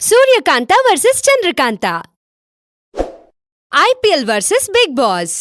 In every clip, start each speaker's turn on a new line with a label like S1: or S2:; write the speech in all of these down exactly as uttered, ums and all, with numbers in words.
S1: ಸೂರ್ಯಕಾಂತ versus Chandrakantha. IPL versus Bigg Boss.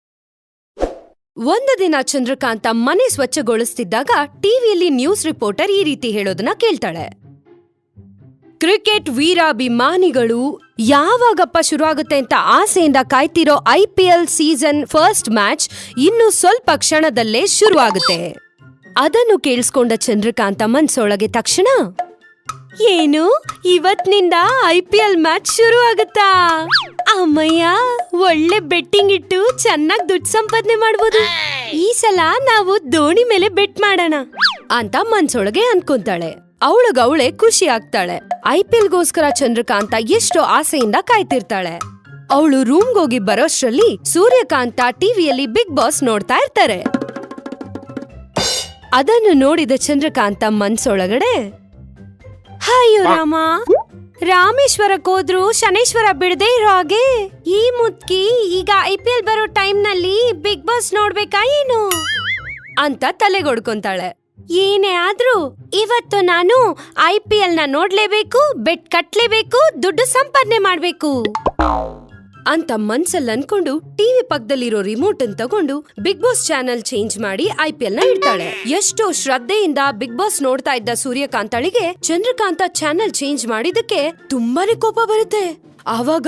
S1: ಒಂದು ದಿನ ಚಂದ್ರಕಾಂತ ಮನೆ ಸ್ವಚ್ಛಗೊಳಿಸ್ತಿದ್ದಾಗ ಟಿವಿಯಲ್ಲಿ ನ್ಯೂಸ್ ರಿಪೋರ್ಟರ್ ಈ ರೀತಿ ಹೇಳೋದನ್ನ ಕೇಳ್ತಾಳೆ. ಕ್ರಿಕೆಟ್ ವೀರಾಭಿಮಾನಿಗಳು ಯಾವಾಗಪ್ಪ ಶುರುವಾಗುತ್ತೆ ಅಂತ ಆಸೆಯಿಂದ ಕಾಯ್ತಿರೋ ಐಪಿಎಲ್ ಸೀಸನ್ ಫಸ್ಟ್ ಮ್ಯಾಚ್ ಇನ್ನು ಸ್ವಲ್ಪ ಕ್ಷಣದಲ್ಲೇ ಶುರುವಾಗುತ್ತೆ. ಅದನ್ನು ಕೇಳಿಸ್ಕೊಂಡ ಚಂದ್ರಕಾಂತ ಮನ್ಸೊಳಗೆ ತಕ್ಷಣ, ಏನು ಇವತ್ತಿನಿಂದ ಐಪಿಎಲ್ ಮ್ಯಾಚ್ ಶುರು ಆಗುತ್ತಾ? ಅಮ್ಮಯ್ಯ, ಒಳ್ಳೆ ಬೆಟ್ಟಿಂಗ್ ಇಟ್ಟು ಚೆನ್ನಾಗಿ ದುಡ್ಡು ಸಂಪಾದನೆ ಮಾಡಬಹುದು. ಈ ಸಲ ನಾವು ಧೋನಿ ಮೇಲೆ ಬೆಟ್ ಮಾಡೋಣ ಅಂತ ಮನ್ಸೊಳಗೆ ಅನ್ಕೊಂತಾಳೆ. ಅವಳಗವಳೆ ಖುಷಿ ಆಗ್ತಾಳೆ. ಐಪಿಎಲ್ಗೋಸ್ಕರ ಚಂದ್ರಕಾಂತ ಎಷ್ಟೋ ಆಸೆಯಿಂದ ಕಾಯ್ತಿರ್ತಾಳೆ. ಅವಳು ರೂಮ್ಗೋಗಿ ಬರೋಷ್ಟ್ರಲ್ಲಿ ಸೂರ್ಯಕಾಂತ ಟಿವಿಯಲ್ಲಿ ಬಿಗ್ ಬಾಸ್ ನೋಡ್ತಾ ಇರ್ತಾರೆ. ಅದನ್ನು ನೋಡಿದ ಚಂದ್ರಕಾಂತ ಮನ್ಸೊಳಗಡೆ, ಅಯ್ಯೋ ರಾಮ, ರಾಮೇಶ್ವರಕ್ಕೆ ಹೋದ್ರು ಶನೇಶ್ವರ ಬಿಡದೆ ಇರೋ ಹಾಗೆ ಈ ಮುದ್ಕಿ ಈಗ ಐಪಿಎಲ್ ಬರೋ ಟೈಮ್ ನಲ್ಲಿ ಬಿಗ್ ಬಾಸ್ ನೋಡ್ಬೇಕಾ ಏನು ಅಂತ ತಲೆಗೊಡ್ಕೊಂತಾಳೆ. ಏನೇ ಆದ್ರೂ ಇವತ್ತು ನಾನು ಐಪಿಎಲ್ ನ ನೋಡ್ಲೇಬೇಕು, ಬೆಟ್ ಕಟ್ಲೇಬೇಕು, ದುಡ್ಡು ಸಂಪಾದನೆ ಮಾಡ್ಬೇಕು ಅಂತ ಮನ್ಸಲ್ಲಿ ಅನ್ಕೊಂಡು ಟಿವಿ ಪಕ್ಕದಲ್ಲಿರೋ ರಿಮೋಟ್ ಅನ್ನು ತಗೊಂಡು ಬಿಗ್ ಬಾಸ್ ಚಾನೆಲ್ ಚೇಂಜ್ ಮಾಡಿ ಐಪಿಎಲ್ ನ ಇಡ್ತಾಳೆ. ಎಷ್ಟೋ ಶ್ರದ್ಧೆಯಿಂದ ಬಿಗ್ ಬಾಸ್ ನೋಡ್ತಾ ಇದ್ದ ಸೂರ್ಯಕಾಂತಳಿಗೆ ಚಂದ್ರಕಾಂತ ಚಾನೆಲ್ ಚೇಂಜ್ ಮಾಡಿದಕ್ಕೆ ತುಂಬಾನೇ ಕೋಪ ಬರುತ್ತೆ. ಆವಾಗ,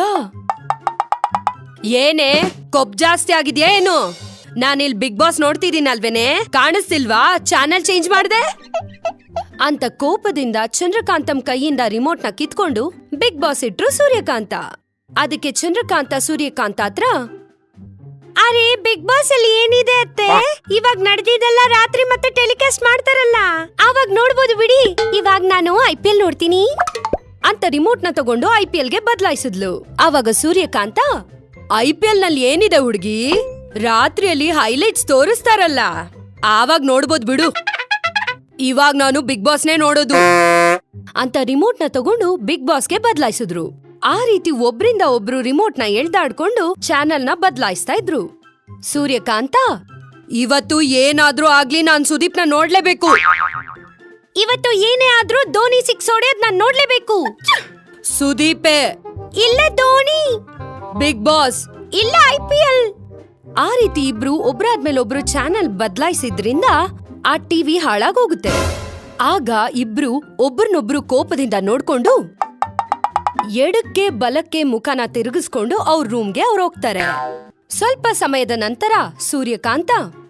S1: ಏನೇ ಕೊಪ್ ಜಾಸ್ತಿ ಆಗಿದ್ಯಾ ಏನು? ನಾನಿಲ್ ಬಿಗ್ ಬಾಸ್ ನೋಡ್ತಿದ್ದೀನಲ್ವೇನೆ, ಕಾಣಿಸ್ತಿಲ್ವಾ ಚಾನೆಲ್ ಚೇಂಜ್ ಮಾಡ್ದೆ ಅಂತ ಕೋಪದಿಂದ ಚಂದ್ರಕಾಂತಂ ಕೈಯಿಂದ ರಿಮೋಟ್ ನ ಕಿತ್ಕೊಂಡು ಬಿಗ್ ಬಾಸ್ ಇಟ್ರು ಸೂರ್ಯಕಾಂತ. ಅದಕ್ಕೆ ಚಂದ್ರಕಾಂತ ಸೂರ್ಯಕಾಂತ ಹತ್ರ, ಅರೆ ಬಿಗ್ ಬಾಸ್ ಅಲ್ಲಿ ಏನಿದೆ ಅತ್ತೆ, ಇವಾಗ ನಡೆದಿದ್ದೆಲ್ಲ ರಾತ್ರಿ ಮತ್ತೆ ಟೆಲಿಕಾಸ್ಟ್ ಮಾಡ್ತಾರಲ್ಲ, ಅವಾಗ ನೋಡ್ಬೋದು ಬಿಡಿ, ಇವಾಗ ನಾನು ಐಪಿಎಲ್ ನೋಡ್ತೀನಿ ಅಂತ ರಿಮೋಟ್ ನ ತಗೊಂಡು ಐಪಿಎಲ್ ಗೆ ಬದಲಾಯಿಸಿದ್ಲು. ಆವಾಗ ಸೂರ್ಯಕಾಂತ, ಐಪಿಎಲ್ ನಲ್ಲಿ ಏನಿದೆ ಹುಡುಗಿ, ರಾತ್ರಿಯಲ್ಲಿ ಹೈಲೈಟ್ಸ್ ತೋರಿಸ್ತಾರಲ್ಲ, ಆವಾಗ ನೋಡ್ಬೋದು ಬಿಡು, ಇವಾಗ ನಾನು ಬಿಗ್ ಬಾಸ್ನೇ ನೋಡೋದು ಅಂತ ರಿಮೋಟ್ ನ ತಗೊಂಡು ಬಿಗ್ ಬಾಸ್ಗೆ ಬದಲಾಯಿಸಿದ್ರು. ಆ ರೀತಿ ಒಬ್ರಿಂದ ಒಬ್ರು ರಿಮೋಟ್ ನ ಎಳ್ದಾಡ್ಕೊಂಡು ಚಾನೆಲ್ ನ ಬದಲಾಯಿಸ್ತಾ ಇದ್ರು. ಸೂರ್ಯಕಾಂತ, ಇವತ್ತು ಏನಾದ್ರೂ ಆಗ್ಲಿ ನಾನ್ ಸುದೀಪ್ ನ ನೋಡ್ಲೇಬೇಕು, ಇವತ್ತು ಏನೇ ಆದ್ರೂ ಧೋನಿ ಸಿಕ್ಸ್ ಹೊಡೆಯೋದ್ ನಾನ್ ನೋಡ್ಲೇಬೇಕು. ಸುದೀಪೇ ಇಲ್ಲ, ಧೋನಿ. ಬಿಗ್ ಬಾಸ್ ಇಲ್ಲ, ಐಪಿಎಲ್. ಆ ರೀತಿ ಇಬ್ರು ಒಬ್ರಾದ್ಮೇಲೆ ಒಬ್ರು ಚಾನೆಲ್ ಬದಲಾಯಿಸಿದ್ರಿಂದ ಆ ಟಿವಿ ಹಾಳಾಗೋಗುತ್ತೆ. ಆಗ ಇಬ್ರು ಒಬ್ರನ್ನೊಬ್ರು ಕೋಪದಿಂದ ನೋಡ್ಕೊಂಡು ಎಡಕ್ಕೆ ಬಲಕ್ಕೆ ಮುಖನ ತಿರುಗಿಸ್ಕೊಂಡು ಅವ್ರ ರೂಮ್ಗೆ ಅವ್ರು ಹೋಗ್ತಾರೆ. ಸ್ವಲ್ಪ ಸಮಯದ ನಂತರ ಸೂರ್ಯಕಾಂತ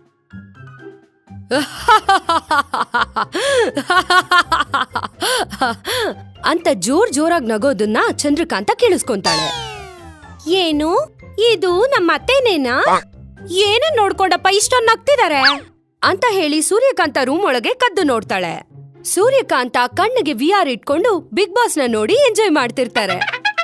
S1: ಅಂತ ಜೋರ್ ಜೋರಾಗಿ ನಗೋದನ್ನ ಚಂದ್ರಕಾಂತ ಕೇಳಿಸ್ಕೊಂತಾಳೆ. ಏನು ಇದು ನಮ್ಮ ಅತ್ತೆನೇನಾ? ಏನು ನೋಡ್ಕೊಂಡಪ್ಪ ಇಷ್ಟೊಂದು ನಗ್ತಿದಾರೆ ಅಂತ ಹೇಳಿ ಸೂರ್ಯಕಾಂತ ರೂಮ್ ಒಳಗೆ ಕದ್ದು ನೋಡ್ತಾಳೆ. ಸೂರ್ಯಕಾಂತ ಕಣ್ಣಿಗೆ ವಿ ಆರ್ ಇಟ್ಕೊಂಡು ಬಿಗ್ ಬಾಸ್ ನ ನೋಡಿ ಎಂಜಾಯ್ ಮಾಡ್ತಿರ್ತಾರೆ.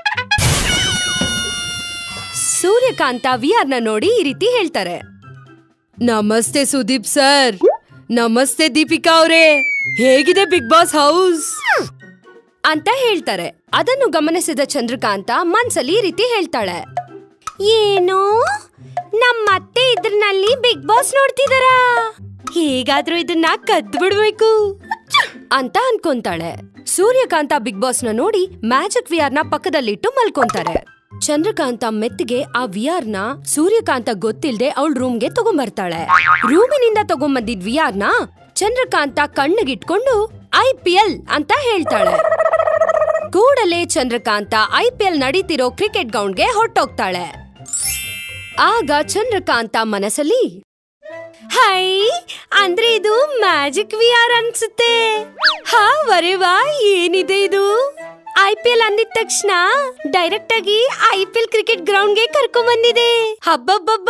S1: ಸೂರ್ಯಕಾಂತ ವಿ ಆರ್ ನ ನೋಡಿ ಈ ರೀತಿ ಹೇಳ್ತಾರೆ, ನಮಸ್ತೆ ಸುದೀಪ್ ಸರ್, ನಮಸ್ತೆ ದೀಪಿಕಾ ಅವರೇ, ಹೇಗಿದೆ ಬಿಗ್ ಬಾಸ್ ಹೌಸ್ ಅಂತ ಹೇಳ್ತಾರೆ. ಅದನ್ನು ಗಮನಿಸಿದ ಚಂದ್ರಕಾಂತ ಮನ್ಸಲ್ಲಿ ಈ ರೀತಿ ಹೇಳ್ತಾಳೆ, ಏನು ನಮ್ಮತ್ತೆ ಇದ್ರಲ್ಲಿ ಬಿಗ್ ಬಾಸ್ ನೋಡ್ತಿದಾರ, ಹೇಗಾದ್ರೂ ಇದನ್ನ ಕದ್ದು ಬಿಡ್ಬೇಕು ಅಂತ ಅನ್ಕೊಂತಾಳೆ. ಸೂರ್ಯಕಾಂತ ಬಿಗ್ ಬಾಸ್ ನ ನೋಡಿ ಮ್ಯಾಜಿಕ್ ವಿ ಆರ್ ನ ಪಕ್ಕದಲ್ಲಿಟ್ಟು ಮಲ್ಕೊಂತಾರೆ. ಚಂದ್ರಕಾಂತ ಮೆತ್ತಿಗೆ ಆ ವಿ ಆರ್ ನ ಸೂರ್ಯಕಾಂತ ಗೊತ್ತಿಲ್ದೆ ಅವಳ ರೂಮ್ಗೆ ತಗೊಂಬರ್ತಾಳೆ. ರೂಮಿನಿಂದ ತಗೊಂಬಂದಿದ್ ವಿ ಆರ್ ನ ಚಂದ್ರಕಾಂತ ಕಣ್ಣಿಗಿಟ್ಕೊಂಡು ಐಪಿಎಲ್ ಅಂತ ಹೇಳ್ತಾಳೆ. ಕೂಡಲೇ ಚಂದ್ರಕಾಂತ ಐಪಿಎಲ್ ನಡೀತಿರೋ ಕ್ರಿಕೆಟ್ ಗ್ರೌಂಡ್ಗೆ ಹೊರಟೋಗ್ತಾಳೆ. ಆಗ ಚಂದ್ರಕಾಂತ ಮನಸ್ಸಲ್ಲಿ, ಹೈ, ಅಂದ್ರೆ ಇದು ಮ್ಯಾಜಿಕ್ ವಿ ಆರ್ ಅನ್ಸುತ್ತೆ. ಹಾ ವರೆವಾ, ಏನಿದೆ ಇದು? ಐಪಿಎಲ್ ಅಂದಿದ ತಕ್ಷಣ ಡೈರೆಕ್ಟ್ ಆಗಿ ಐಪಿಎಲ್ ಕ್ರಿಕೆಟ್ ಗ್ರೌಂಡ್ ಗೆ ಕರ್ಕೊಂಡ್ ಬಂದಿದೆ. ಹಬ್ಬಬ್ಬಬ್ಬ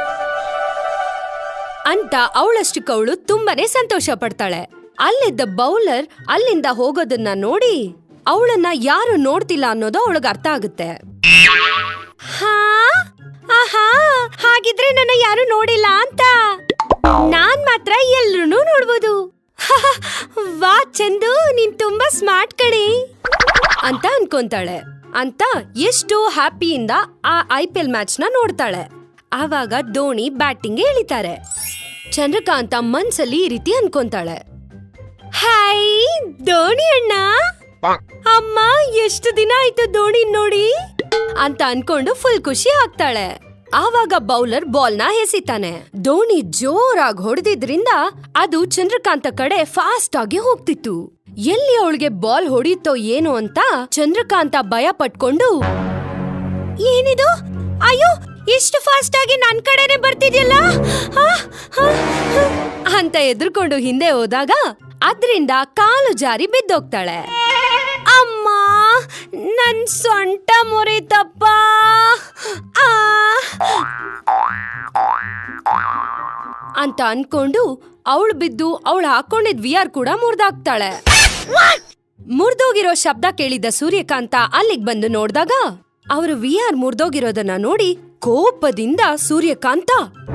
S1: ಅಂತ ಅವಳಷ್ಟಕ್ಕವಳು ತುಂಬಾನೇ ಸಂತೋಷ ಪಡ್ತಾಳೆ. ಅಲ್ಲಿದ್ದ ಬೌಲರ್ ಅಲ್ಲಿಂದ ಹೋಗೋದನ್ನ ನೋಡಿ ಅವಳನ್ನ ಯಾರು ನೋಡ್ತಿಲ್ಲ ಅನ್ನೋದು ಅವಳಿಗೆ ಅರ್ಥ ಆಗುತ್ತೆ. ಹಾ ಆಹಾ, ಹಾಗಿದ್ರೆ ನನ್ನ ಯಾರು ನೋಡಿಲ್ಲ ಅಂತ ನಾನ್ ಮಾತ್ರ ಎಲ್ರೂ ನೋಡ್ಬೋದು. ವಾ ಚಂದು, ನೀನ್ ತುಂಬಾ ಸ್ಮಾರ್ಟ್ ಕಣೆ ಅಂತ ಅನ್ಕೊಂತಾಳೆ. ಅಂತ ಎಷ್ಟು ಹ್ಯಾಪಿಯಿಂದ ಆ ಐಪಿಎಲ್ ಮ್ಯಾಚ್ ನ ನೋಡ್ತಾಳೆ. ಆವಾಗ ಧೋನಿ ಬ್ಯಾಟಿಂಗ್ ಇಳಿತಾರೆ. ಚಂದ್ರಕಾಂತ ಮನ್ಸಲ್ಲಿ ಈ ರೀತಿ ಅನ್ಕೊಂತಾಳೆ, ಹಾಯ್ ಧೋನಿ ಅಣ್ಣ, ಅಮ್ಮ ಎಷ್ಟು ದಿನ ಆಯ್ತು ದೋಣಿ ನೋಡಿ ಅಂತ ಅನ್ಕೊಂಡು ಫುಲ್ ಖುಷಿ ಆಗ್ತಾಳೆ. ಆವಾಗ ಬೌಲರ್ ಬಾಲ್ ನ ಎಸಿತಾನೆ. ದೋಣಿ ಜೋರಾಗಿ ಹೊಡೆದಿದ್ರಿಂದ ಅದು ಚಂದ್ರಕಾಂತ ಕಡೆ ಫಾಸ್ಟ್ ಆಗಿ ಹೋಗ್ತಿತ್ತು. ಎಲ್ಲಿ ಅವಳಿಗೆ ಬಾಲ್ ಹೊಡೀತೋ ಏನೋ ಅಂತ ಚಂದ್ರಕಾಂತ ಭಯ ಪಟ್ಕೊಂಡು, ಏನಿದು, ಅಯ್ಯೋ ಇಷ್ಟು ಫಾಸ್ಟ್ ಆಗಿ ನನ್ ಕಡೆನೆ ಬರ್ತಿದ್ಯಲ್ಲ ಅಂತ ಎದ್ರುಕೊಂಡು ಹಿಂದೆ ಹೋದಾಗ ಅದ್ರಿಂದ ಕಾಲು ಜಾರಿ ಬಿದ್ದೋಗ್ತಾಳೆ. ಅಮ್ಮ, ನನ್ ಸೊಂಟ ಮುರಿತಪ್ಪ ಅಂತ ಅನ್ಕೊಂಡು ಅವಳು ಬಿದ್ದು ಅವಳು ಹಾಕೊಂಡಿದ್ ವಿಆರ್ ಕೂಡ ಮುರ್ದಾಕ್ತಾಳೆ. ಮುರ್ದೋಗಿರೋ ಶಬ್ದ ಕೇಳಿದ ಸೂರ್ಯಕಾಂತ ಅಲ್ಲಿಗ್ ಬಂದು ನೋಡ್ದಾಗ ಅವರು ವಿಆರ್ ಮುರ್ದೋಗಿರೋದನ್ನ ನೋಡಿ ಕೋಪದಿಂದ ಸೂರ್ಯಕಾಂತ,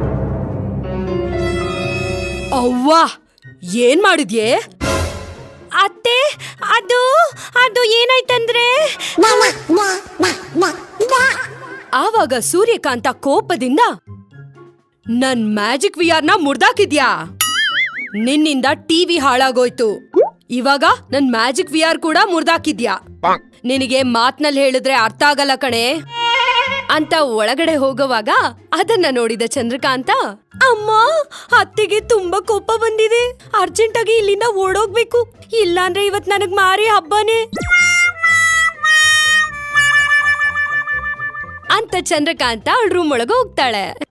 S1: ಅವ್ವಾ ಏನ್ ಮಾಡಿದ್ಯೆ? ಅತ್ತೆ, ಅದು ಅದು ಏನಾಯ್ತಂದ್ರೆ ಆವಾಗ ಸೂರ್ಯಕಾಂತ ಕೋಪದಿಂದ, ನನ್ ಮ್ಯಾಜಿಕ್ ವಿಆರ್ ನ ಮುರ್ದಾಕಿದ್ಯಾ? ನಿನ್ನಿಂದ ಟಿವಿ ಹಾಳಾಗೋಯ್ತು. ಇವಾಗ ನನ್ ಮ್ಯಾಜಿಕ್ ವಿಆರ್ ಕೂಡ ಮುರ್ದಾಕಿದ್ಯಾ? ನಿನಗೆ ಮಾತ್ನಲ್ಲಿ ಹೇಳಿದ್ರೆ ಅರ್ಥ ಆಗಲ್ಲ ಕಣೆ ಅಂತ ಒಳಗಡೆ ಹೋಗುವಾಗ ಅದನ್ನ ನೋಡಿದ ಚಂದ್ರಕಾಂತ, ಅಮ್ಮ, ಅತ್ತೆಗೆ ತುಂಬಾ ಕೋಪ ಬಂದಿದೆ, ಅರ್ಜೆಂಟ್ ಆಗಿ ಇಲ್ಲಿಂದ ಓಡೋಗ್ಬೇಕು, ಇಲ್ಲಾಂದ್ರೆ ಇವತ್ ನನಗ್ ಮಾರಿ ಹಬ್ಬನೇ ಅಂತ ಚಂದ್ರಕಾಂತ ರೂಮ್ ಒಳಗ ಹೋಗ್ತಾಳೆ.